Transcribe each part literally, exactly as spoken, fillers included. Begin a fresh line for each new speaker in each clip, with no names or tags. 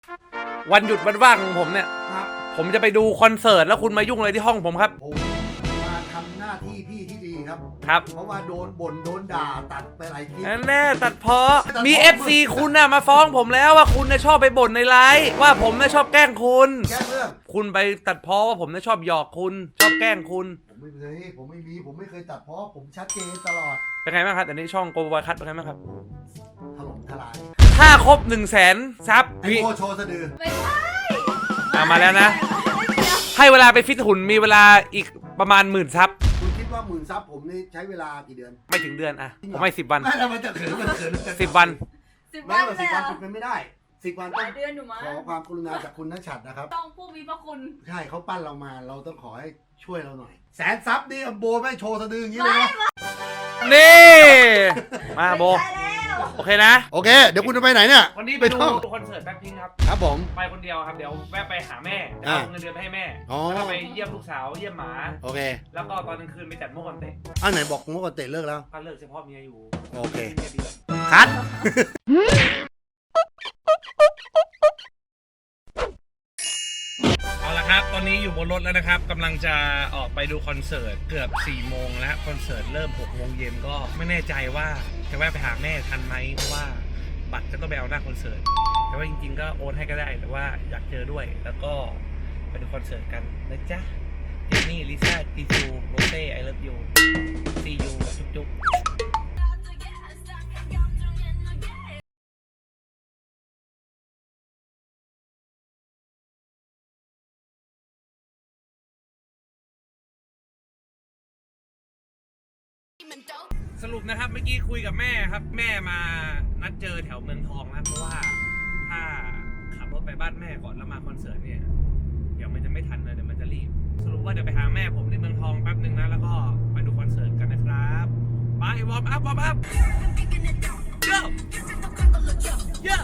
วันหยุดวันว่างของผมเนี่ย
ครับ
ผมจะไปดูคอนเสิร์ตแล้วคุณมายุ่งอะไรที่ห้องผมครับ
ผมมาทำหน้าที่พี่ที่ดีครับ
ครับ
เพราะว่าโดนบ่นโดนด่าตัดไปหลายคลิป
แน่ตัดเพาะมี เอฟ ซี คุณน่ะมาฟ้องผมแล้วว่าคุณน่ะชอบไปบ่นในไลฟ์ว่าผมน่ะชอบแกล้งคุณ
แก้เรื่อง
คุณไปตัดเพาะว่าผมน่ะชอบหยอกคุณชอบแกล้งคุณ
ผมไม่เคยผมไม่มีผมไม่เคยตัดเพราะผมชัดเจนตลอด
เป็นไงบ้างครับแต่นี้ช่องโกบอยคัทเป็นไงบ้างครับ
ถล่มทลาย
ถ้าครบหนึ่งแสนซับ
ไอโอโชว์สะดือ
ไม่ใช่
อ่ะมาแล้วนะ ให้เวลาไปฟิตหุ่นมีเวลาอีกประมาณหมื่นซับ
คุณคิดว่าหมื่นซับผมนี่ใช้เวลากี่เดือน
ไม่ถึงเดือนอ่ะผมไม่สิบวัน
ไม่แล้วมันจะเขินมันเขิน
สิบวัน
สิบ
ไม่
วัน
ว่า
เล
สิบ
ยเหร
วัน
อ
เป็นไปไม่ได้สิบวัน
ห
ต้อ
ลาง ยเดือนอยู่มั้ง
ขอความกรุณาจากคุณนัชชัดนะครับ
ต้องผู้มีพระคุณ
ใช่เขาปั้นเรามาเราต้องขอให้ช่วยเราหน่อย แสนซับนี่โบไม่โชว์สะดืออย่างนี้เลยนะ
นี่ มาโบ
ไม่ใช่แล้ว
โอเคนะ
โอเค เดี๋ยวคุณจะไปไหนเนี่ย
วันนี้ไป
ไป
ดู
ท่อง
คอนเสิร์ตแบ็คพิงค์ครับ
ครับผม
ไปคนเดียวครับ เดี๋ยวแวะไปหาแม่
อ่า
เอาเงินเดือนไปให้แม่
อ๋อ
แล้วก็ไปเยี่ยมลูกสาว เยี่ยมหมา
โอเค
แล้วก็ตอนกลางคืนไปจัดโมกันเตะ
อันไหนบอกเมื่อก่อนเตะเลิกแล้ว
ก็เลิกเฉพาะเมียอยู่
โอเค
มียดี
คัด
เอาละครับ ตอนนี้อยู่บนรถแล้วนะครับกำลังจะออกไปดูคอนเสิร์ตเกือบสี่โมงแล้วคอนเสิร์ตเริ่มหกโมงเย็นก็ไม่แน่ใจว่าจะแวะไปหาแม่ทันไหมเพราะว่าบัตรจะต้องไปเอาหน้าคอนเสิร์ตแต่ว่าจริงๆก็โอนให้ก็ได้แต่ว่าอยากเจอด้วยแล้วก็ไปดูคอนเสิร์ตกันนะจ๊ะเจนนี่ลิซ่าจีซูโรเซ่ไอเลิฟยูซียูจุ๊บจุ๊บสรุปนะครับเมื่อกี้คุยกับแม่ครับแม่มานัดเจอแถวเมืองทองนะเพราะว่าถ้าขับรถไปบ้านแม่ก่อนแล้วมาคอนเสิร์ตเนี่ยเดี๋ยวมันจะไม่ทันเลยเดี๋ยวมันจะรีบสรุปว่าเดี๋ยวไปหาแม่ผมในเมืองทองแป๊บนึงนะแล้วก็ไปดูคอนเสิร์ตกันนะครับไปวอร์มอัพวอร์มอัพเยอะเยอะ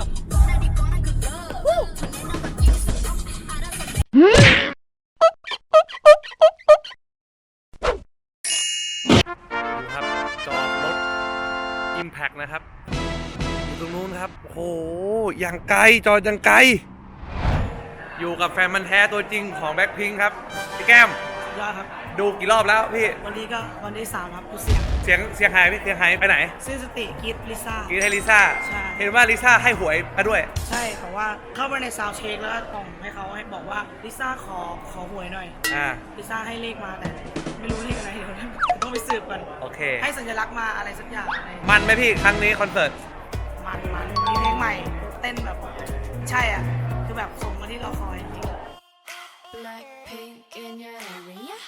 ดูครับจอดรถ Impact นะครับอยู่ตรงนู้นครับโอ้โหอย่างไกลจอดอย่างไกลอยู่กับแฟนมันธุ์แท้ตัวจริงของแบ็คพิงค์ครับพี่แก้ม
ยอดครับ
ดูกี่รอบแล้วพี่
วันนี้ก็วันที่สามครับกูเสียง
เสียงเสียงหายพี่เสียงหายไปไหน
สิ้นสติกรีดลิซ่า
กีให้ลิซ่า
ใช่
เห็นว่าลิซ่าให้หวยมาด้วย
ใช่แต่ว่าเข้าไปในซาวด์เช็คแล้วก็ส่งให้เขาให้บอกว่าลิซ่าขอขอหวยหน่อย
อ่า
ลิซ่าให้เลขมาแต่ไม่รู้เลขอะไรเดี๋ยวต้องไปสืบกัน
โอเค
ให้สัญลักษณ์มาอะไรสักอย่างอะไร
มันไหมพี่ครั้งนี้คอนเสิร์ต
มันมันมีเพลงใหม่เต้นแบบใช่อ่ะคือแบบสมกับที่เราคอยจริง
Blackpink in your area.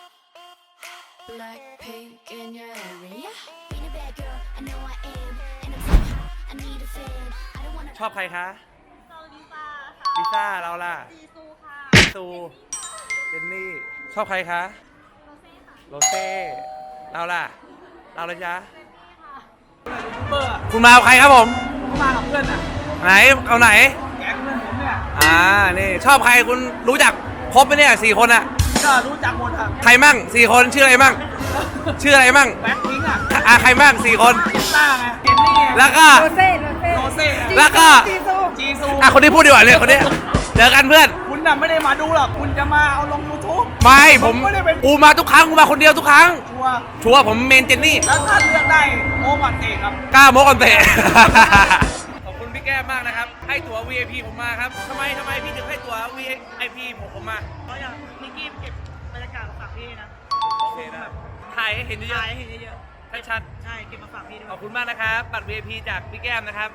Blackpink in your area. Being a bad girl, I know I am, and I'm so hot, I need a fan. I don't wanna.
ชอบใครคะ
ซอลิซ่าค่ะ
ลิซ่าเราล่ะ
จีซูค่ะ
ซูเจนนี่ชอบใครคะโรเซ่เราล่ะเราเลยจ๊ะ
เบอร์
คุณมากับใครครับผม
มากับเพื่อนอ่ะ
ไหนเอาไหน
แก๊งเพื่อนผมเนี่ย
อ่านี่ชอบใครคุณรู้จักครบไหมเนี่ยสี่คนอะ
ก็รู้จักหมดอ่ะ
ใครมั่งสี่คนชื่ออะไรมั่งชื่ออะไรมั่ง
แบ็คพิงค์อ่ะ
อ่ะใครมั่งสี่คน
ลิซ่าไงเจนนี่ไง
แล้วก็
โรเซ่โรเซ่
แล้วก็
จีซู
อ่ะคนที่พูดดีกว่าเลยคนนี้เจอกันเพื่อน
คุณน่ะไม่ได้มาดูหรอก คุณจะมาเอาลง ยูทูบ
ไม่ผม
ไม่ได้เป็น
กูมาทุกครั้งกูมาคนเดียวทุกครั้ง
ชัวร์
ชัวร์ผมเมนเจนนี่
แล้วถ้าเลือกได้โอ้ก่อนเตะครับ
กล้าโมกันเตะ ขอบคุณพี่แก้มมากนะครับ ให้ตั๋ว วี ไอ พี ผมมาครับทำไมทำไมพี่ถึงให้ตั๋ว วี ไอ พี ผมผมมา
เพราะอย่างนิกกี้เก็บบรรยากาศมาฝากพี่นะ
โอเคนะถ่ายให้เห็นเย
ถ่า
อะ
ยให้เห็นเยอะ
ๆชัด
ๆใช่ เก็บมาฝากพี่ด้ว
ๆ
ย
ขอบคุณมากนะครับบัตร วี ไอ พี จากพี่แก้มนะครับ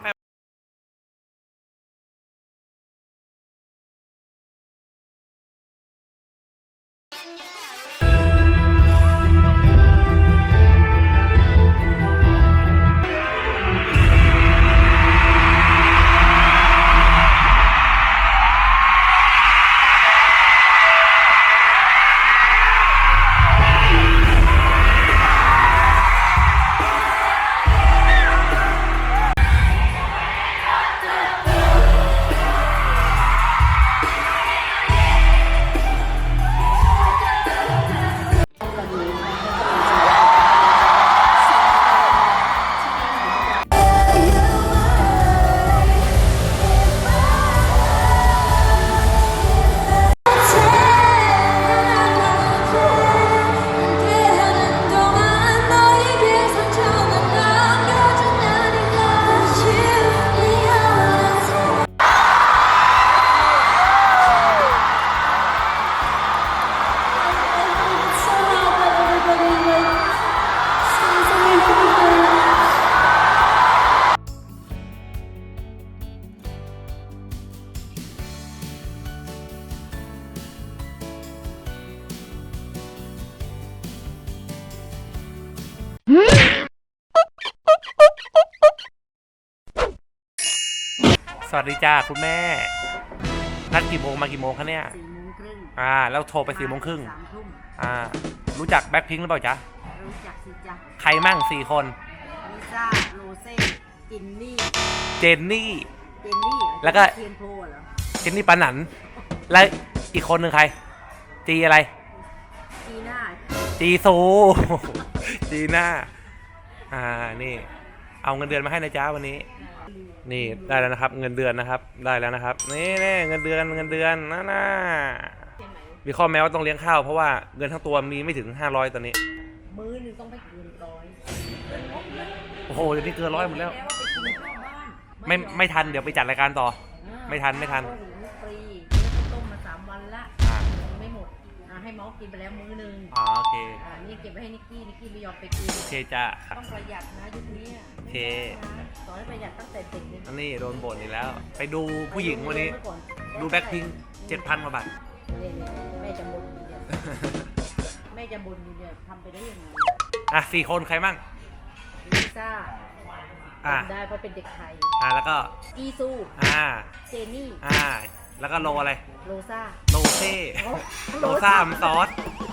สวัสดีจ้าคุณแม่ นัดกี่โมงมากี่โมงคะเนี่ย
สี่โมงครึ่ง
อ่าแล้วโทรไปสี่โมงครึ่ง
สามทุ่ม
อ่ารู้จักแบ็คพิงค์หรือเปล่าจ๊ะ
รู้จักสิจ๊ะ
ใครมั่งสี่คน
ลิซ่าโรเซ่จินนี่
เจนนี่
เจนนี่เหรอ
แล้วก็
เทียนโพเหรอ
เจนนี่ปานันแล้วอีกคนหนึ่งใคร จีอะไร
จีน่า
จีซู จีน่า อ่า นี่ เอาเงินเดือนมาให้นะจ๊ะวันนี้ นี่ได้แล้วนะครับ เงินเดือนนะครับ ได้แล้วนะครับ นี่นี่เงินเดือน เงินเดือนน่าน่ามีข้อแม้ว่าต้องเลี้ยงข้าวเพราะว่าเงินทั้งตัวมีไม่ถึงห้าร้อยตอนนี้
มื้อหนึงต้องไปเกินร้อย
โอ้โห เดี๋ยวนี้เกินร้อยหมดแล้ว
แล้วว่าไปกินข้าวบ้าน
ไม่ไม่ทัน เดี๋ยวไปจัดรายการต่อ
อ่า
ไม่ทันไม่ทัน
ข้าวหุงฟรีแล้วต้มมาสามวันละ
อ่า
ยังไม่หมดอ่าให้เมาส์กินไปแล้วมื้อหนึง
อ๋อโอเค
อ่านี่เก็บไว้ให้นิกกี้นิกกี้ไม่ยอมไปกิน
โอเคจ้ะ
ต้องประหยัดนะยุคนี้อะ
โอเค
นะสอนให้ประหยัดตั้งแต่เด็กเลย
อันนี้โดนบ่นอีกแล้ว ไปดูผู้หญิงวันนี้ ดูแบ็คพิงเจ็ดพันกว่าบาท
เนี่ยๆแม่จะบ่นอยู่เนี่ยแม่จะบ่นอยู่เนี่ยทำไปได้ยังไง
อ่ะสี่คนใครมั่ง
ลิซ่า
อ่ะ
จำได้เพราะเป็นเด็กไทย
อ่ะแล้วก็
จีซู
อ่า
เจนี่
อ่า แล้วก็โลอะไร
โรซ่า
โลเซ่ โลซ่ามันซอส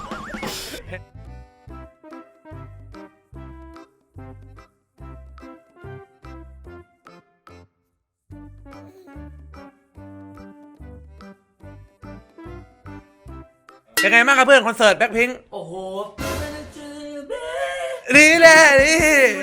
เป็นไงบ้างครับเพื่อนคอนเสิร์ตแบ็คพิงค์
โอ้โห
นี่แหละนี่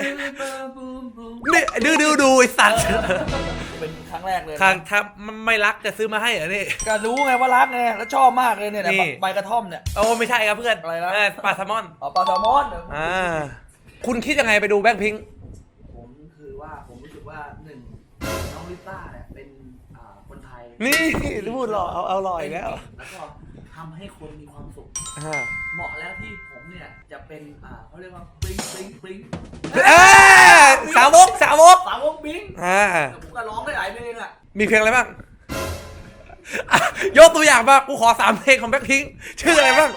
นี่ดูดูดูไอสัตว์
เป็นครั้งแรกเลยนะ
ทางถ้าไม่รักจะซื้อมาให้เหรอนี่
ก็รู้ไงว่ารักไงแล้วชอบมากเลยเนี่ย
นี่
ใบกระท่อมเนี่ย
โอ้ไม่ใช่ครับเพื่อน
อะไรนะ
เออปลาแซลมอน
อ๋อปลาแซลมอน
อ่า คุณคิดยังไงไปดูแบ็คพิงค์
ผมคือว่าผมรู้สึกว่าหนึ่งน้องลิซ่าเนี่ยเป็นอ่าคนไทย
นี่พูดหล่อเอาเอาหล่ออีกแล้ว
แล้วก็ทำให้คนมีความสุข
อ่า
เหมาะแล้วที่ผมเนี่ยจะเป็นอ่าเขาเรียกว่าบลิงบลิงบลิง
เอ้ยสาวกสาวก
สาวกบลิง
อ่า
แต่ผมก็ร้องได้หลายเพลงอ่ะ
มีเพลงอะไรบ้างอ่ะยกตัวอย่างมากูขอสามเพลงของแบ็คพิงค์ชื่ออะไรบ้าง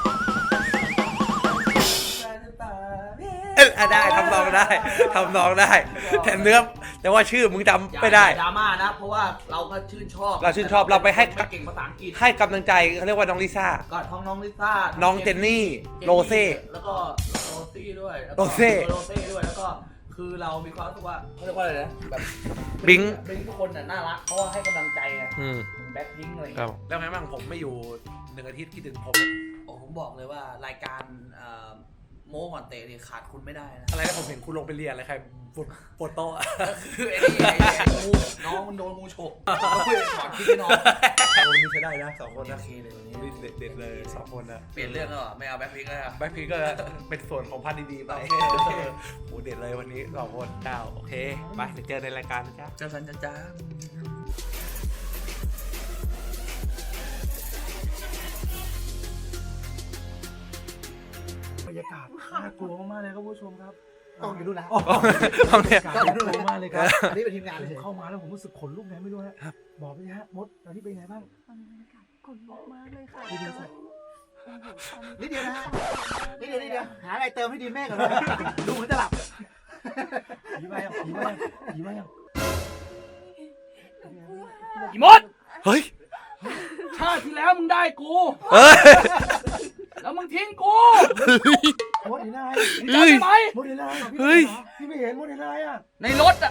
เอ้ยอ่ะได้ทำนองได้ทำนองได้แต่เนื้อแต่ว่าชื่อมึงจำไม่ได้
อย่าดราม่านะ เพราะว่าเราก็ชื่นชอบ
เราชื่นชอบเราไปให้
ไม่เก่งภาษาอังกฤษ
ให้กำลังใจเขาเรียกว่าน้องลิซ่า
ก็ท้องน้องลิซ่า
น้องเจนนี่โรเซ่
แล้วก็โรซี่ด้วยแล้วก็
โรเซ่
โรเซ่ด้วยแล้วก็คือเรามีความรู้สึกว่าเขาเรียกว่าอะไรนะแบบ
บิง
บิงทุกคนน่ะน่ารักเพราะว่าให้กำลังใจไง
อืม
แบ็คพิงอะไรอย่าง
ครั
เงี้
บ
ย
แล้วไงบ้างผมไม่อยู่หนึ่งอาทิตย์คิดถึงผม
โอ้ผมบอกเลยว่ารายการเอ่อโม้ก่อนเตะเนี่ยขาดคุณไม่ได้นะ
อะไรนะผมเห็นคุณลงไปเรียนอะไรใครปวดปวดโต๊ะ
ก็คือไอ้นี่ไอ้ไอ้งูน้องมันโดนงูฉกก็เลยถอดคิดให้น้อง
โอ้นี่ใช้ได้นะสองคน
โอ
นะ
เคเลยวันนี้
เด็ดเด็ดเลยสองคนนะ
เปลี่ยนเรื่องแล้วเหรอไม่เอาแบ็คพิงแล้วอะ
แบ็คพิงก็เป็นส่วนของพันดีๆไป
โอเคโอเค
โอ้เด็ดเลยวันนี้สองคนเจ้าโอเคไปเดี๋ยวเจอในรายการนะจ๊ะ
เจ้าสันจ้าจ้าบรรยากาศน่ากลัวมากๆเลยครับผู้ชมครับ
ต้องอยู่ดูนะ
เอาเนี่ย
น่ากลัวมากเลยครับ
อันนี้เป็นทีมงานเลย
ผมเข้ามาแล้วผมรู้สึกขนลุกไงไม่รู้ฮะบอกไปฮะมดตอนนี้เป็นไงบ้าง
ตอนนี้บรรยากาศขนลุกมากเลยค่ะ
ดีดีสัก
นิดเดียวนะฮะนิดเดียวนิดเดียวหาอะไรเติมให้ดีแม่ก่อนเลยดูเหมือนจะหลับ
ผีมายังผีมายังผีมายัง
อีมดเฮ้ย
ชาติที่แล้วมึงได้กู
เฮ้ย
แล้วมึงทิ้งกู
มดเห็นอะไร
มึงจำได้ไหม
มดเห็นอะไร
เฮ้ย
พี่ไม่เห็นมดเห็นอะไรอ่ะ
ในรถอ่ะ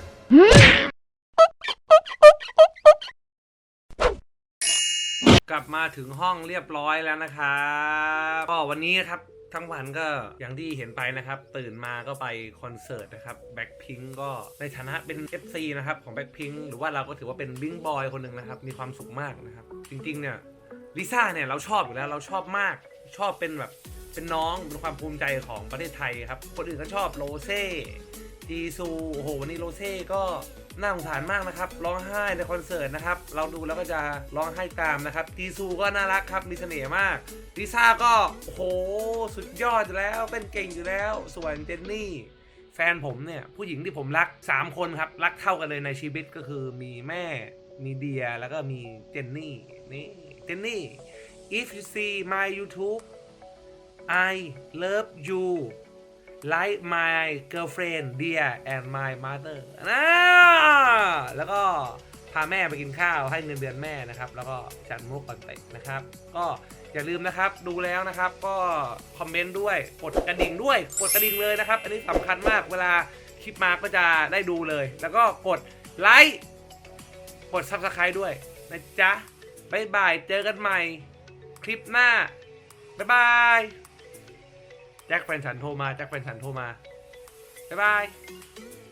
กลับมาถึงห้องเรียบร้อยแล้วนะครับก็วันนี้นะครับทั้งวันก็อย่างที่เห็นไปนะครับ ตื่นมาก็ไปคอนเสิร์ตนะครับแบ็คพิงก็ในฐานะเป็น เอฟ ซี นะครับของแบ็คพิงหรือว่าเราก็ถือว่าเป็นบิงบอยคนหนึ่งนะครับมีความสุขมากนะครับจริงๆเนี่ยลิซ่าเนี่ยเราชอบอยู่แล้วเราชอบมากชอบเป็นแบบเป็นน้องเป็นความภูมิใจของประเทศไทยครับคนอื่นก็ชอบโรเซ่จีซูโอ้โหวันนี้โรเซ่ก็น่าสงสารมากนะครับร้องไห้ในคอนเสิร์ตนะครับเราดูแล้วก็จะร้องไห้ตามนะครับจีซูก็น่ารักครับมีเสน่ห์มากลิซ่าก็โอ้โหสุดยอดอยู่แล้วเป็นเก่งอยู่แล้วส่วนเจนนี่แฟนผมเนี่ยผู้หญิงที่ผมรักสามคนครับรักเท่ากันเลยในชีวิตก็คือมีแม่มีเดียแล้วก็มีเจนนี่นี่เจนนี่ if you see my YouTube I love you like my girlfriend dear and my mother นะแล้วก็พาแม่ไปกินข้าวให้เงินเดือนแม่นะครับแล้วก็จัดมุกก่อนเตะนะครับก็อย่าลืมนะครับดูแล้วนะครับก็คอมเมนต์ด้วยกดกระดิ่งด้วยกดกระดิ่งเลยนะครับอันนี้สำคัญมากเวลาคลิปมาก็จะได้ดูเลยแล้วก็กดไลค์กด ซับสไครบ์ ด้วยนะจ๊ะบ๊ายบายเจอกันใหม่คลิปหน้าบ๊ายบายแจ็คแฟนฉันโทรมาแจ็คแฟนฉันโทรมาบ๊ายบาย